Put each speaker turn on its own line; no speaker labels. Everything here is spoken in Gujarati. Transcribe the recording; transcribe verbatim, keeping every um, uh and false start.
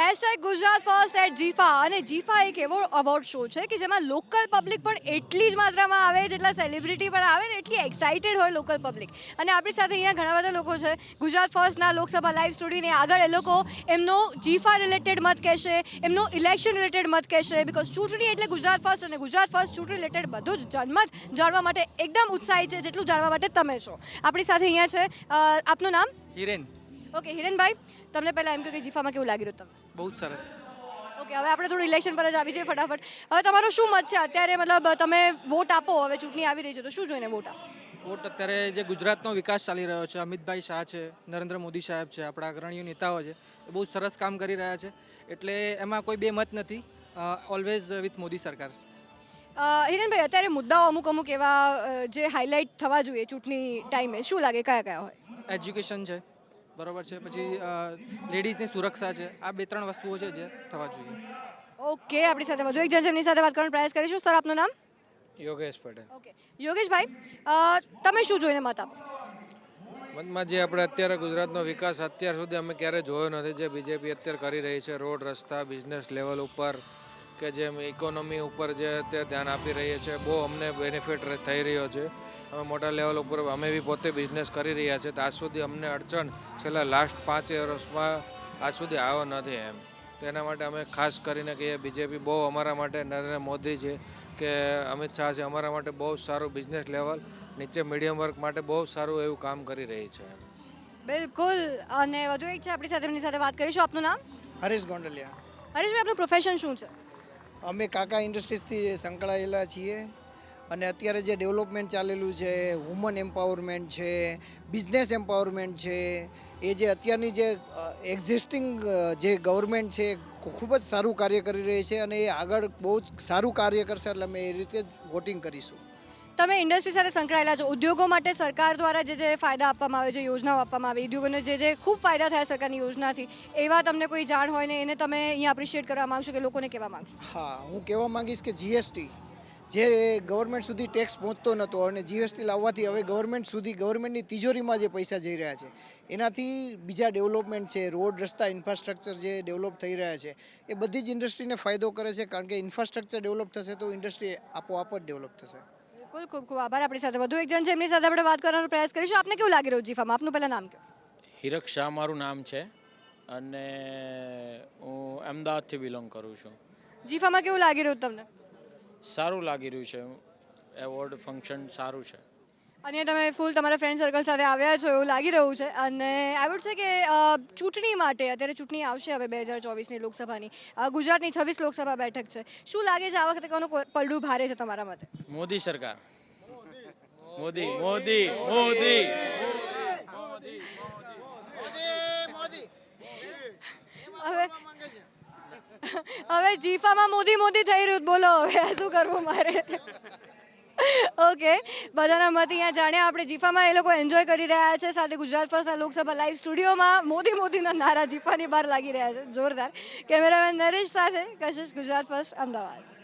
હેશટેગ ગુજરાત ફર્સ્ટ એટ જીફા અને જીફા એક એવો અવોર્ડ શો છે કે જેમાં લોકલ પબ્લિક પણ એટલી જ માત્રામાં આવે જેટલા સેલિબ્રિટી પણ આવે ને એટલી એક્સાઇટેડ હોય લોકલ પબ્લિક. અને આપણી સાથે અહીંયા ઘણા બધા લોકો છે ગુજરાત ફર્સ્ટના લોકસભા લાઈવ સ્ટુડિયોની આગળ. એ લોકો એમનો જીફા રિલેટેડ મત કહેશે, એમનો ઇલેક્શન રિલેટેડ મત કહેશે, બિકોઝ ચૂંટણી એટલે ગુજરાત ફર્સ્ટ અને ગુજરાત ફર્સ્ટ ચૂંટણી રિલેટેડ બધું જ જનમત જાણવા માટે એકદમ ઉત્સાહી છે જેટલું જાણવા માટે તમે છો. આપણી સાથે અહીંયા છે અ, આપનું નામ?
હિરેન.
ઓકે હિરેનભાઈ, તમને પહેલાં એમ કહો કે જીફામાં કેવું લાગી રહ્યું તમને?
બહુ જ સરસ.
ઓકે, હવે આપણે થોડું ઇલેક્શન પર જ આવી જઈએ ફટાફટ. હવે તમારો શું મત છે અત્યારે? મતલબ તમે વોટ આપો, હવે ચૂંટણી આવી રહી છે તો શું જોઈને વોટ આપો?
વોટ અત્યારે જે ગુજરાતનો વિકાસ ચાલી રહ્યો છે, અમિતભાઈ શાહ છે, નરેન્દ્ર મોદી સાહેબ છે, આપણા અગ્રણીય નેતાઓ છે, એ બહુ સરસ કામ કરી રહ્યા છે. એટલે એમાં કોઈ બે મત નથી. ઓલવેઝ વિથ મોદી સરકાર.
અ, હિરેનભાઈ, અત્યારે મુદ્દાઓ અમુક અમુક એવા અ, જે હાઇલાઇટ થવા જોઈએ ચૂંટણી ટાઈમે, શું લાગે કયા કયા હોય?
એજ્યુકેશન છે, બરોબર છે, પછી લેડીઝની સુરક્ષા છે. આ બે ત્રણ વસ્તુઓ છે જે થવા જોઈએ.
ઓકે, આપણી સાથે વધુ એક જણ છે એમની સાથે વાત કરવાનો પ્રયાસ કરીશું. સર, આપનું નામ?
યોગેશ પટેલ.
ઓકે યોગેશભાઈ, અ, તમે શું જોઈને મત આપો?
મતમાં જે આપણે અત્યારે ગુજરાતનો વિકાસ અત્યાર સુધી અમે ક્યારેય જોયો નથી, જે બીજેપી અત્યારે કરી રહી છે, રોડ રસ્તા બિઝનેસ લેવલ ઉપર કે જેમ ઇકોનોમી ઉપર જે અત્યારે ધ્યાન આપી રહી છે, બહુ અમને બેનિફિટ થઈ રહ્યો છે. અમે મોટા લેવલ ઉપર અમે બી પોતે બિઝનેસ કરી રહ્યા છીએ, તો આજ સુધી અમને અડચણ છેલ્લા લાસ્ટ પાંચ વર્ષમાં આજ સુધી આવ્યો નથી એમ. તો એના માટે અમે ખાસ કરીને કહીએ બીજેપી બહુ અમારા માટે, નરેન્દ્ર મોદી છે કે અમિત શાહ છે, અમારા માટે બહુ સારું બિઝનેસ લેવલ, નીચે મીડિયમ વર્ગ માટે બહુ સારું એવું કામ કરી રહી છે.
બિલકુલ. અને વધુ એક છે આપણી સાથે, એમની સાથે વાત કરીશું. આપનું નામ?
હરીશ ગોંડલિયા.
હરીશભાઈ, આપનું પ્રોફેશન શું છે?
અમે કાકા ઇન્ડસ્ટ્રીઝથી સંકળાયેલા છીએ અને અત્યારે જે ડેવલપમેન્ટ ચાલેલું છે, વુમન એમ્પાવરમેન્ટ છે, બિઝનેસ એમ્પાવરમેન્ટ છે, એ જે અત્યારની જે એક્ઝિસ્ટિંગ જે ગવર્મેન્ટ છે ખૂબ જ સારું કાર્ય કરી રહી છે અને એ આગળ બહુ જ સારું કાર્ય કરશે, એટલે અમે એ રીતે જ વોટિંગ કરીશું.
તમે ઇન્ડસ્ટ્રી સાથે સંકળાયેલા છો. ઉદ્યોગો માટે સરકાર દ્વારા જે જે ફાયદા આપવામાં આવે છે, યોજનાઓ આપવામાં આવે, ઉદ્યોગોને જે જે ખૂબ ફાયદા થયા સરકારની યોજનાથી, એવા તમને કોઈ જાણ હોય ને એને તમે અહીંયા એપ્રિશિએટ કરવા માંગશો કે લોકોને કહેવા માંગશો?
હા, હું કહેવા માંગીશ કે જીએસટી જે ગવર્મેન્ટ સુધી ટેક્સ પહોંચતો નહોતો અને જીએસટી લાવવાથી હવે ગવર્મેન્ટ સુધી, ગવર્મેન્ટની તિજોરીમાં જે પૈસા જઈ રહ્યા છે, એનાથી બીજા ડેવલપમેન્ટ છે, રોડ રસ્તા ઇન્ફ્રાસ્ટ્રક્ચર જે ડેવલપ થઈ રહ્યા છે, એ બધી જ ઇન્ડસ્ટ્રીને ફાયદો કરે છે, કારણ કે ઇન્ફ્રાસ્ટ્રક્ચર ડેવલપ થશે તો ઇન્ડસ્ટ્રી આપોઆપ જ ડેવલપ થશે.
બિલકુલ, ખૂબ ખૂબ આભાર. આપણી સાથે વધુ એક જણ છે એમની સાથે આપણે વાત કરવાનો પ્રયાસ કરીશું. આપને કેવું લાગી રહ્યું જીફામાં? આપનું પહેલાં નામ કહો.
હિરક શાહ મારું નામ છે અને હું અમદાવાદથી બિલોંગ કરું છું.
જીફામાં કેવું લાગી રહ્યું તમને?
સારું લાગી રહ્યું છે, એવોર્ડ ફંક્શન સારું છે.
અને તમે ફૂલ તમારા ફ્રેન્ડ સર્કલ સાથે આવ્યા છો એવું લાગી રહ્યું છે. અને આઈ વુડ છે કે અ, ચૂંટણી માટે અત્યારે ચૂંટણી આવશે હવે બે હજાર ચોવીસની લોકસભાની. અ, ગુજરાતની છવ્વીસ લોકસભા બેઠક છે. શું લાગે છે આ વખતે કોનું પલડું ભારે છે તમારા મતે?
મોદી સરકાર. મોદી મોદી મોદી
હવે હવે જીફામાં મોદી મોદી થઈ રહ્યું, બોલો હવે શું કરવું મારે? ઓકે, બધાના મત અહીંયા જાણ્યા આપણે. જીફામાં એ લોકો એન્જોય કરી રહ્યા છે, સાથે ગુજરાત ફર્સ્ટના લોકસભા લાઈવ સ્ટુડિયોમાં મોદી મોદીના નારા જીફાની બહાર લાગી રહ્યા છે. જોરદાર. કેમેરામેન નરેશ સાથે કશિશ, ગુજરાત ફર્સ્ટ, અમદાવાદ.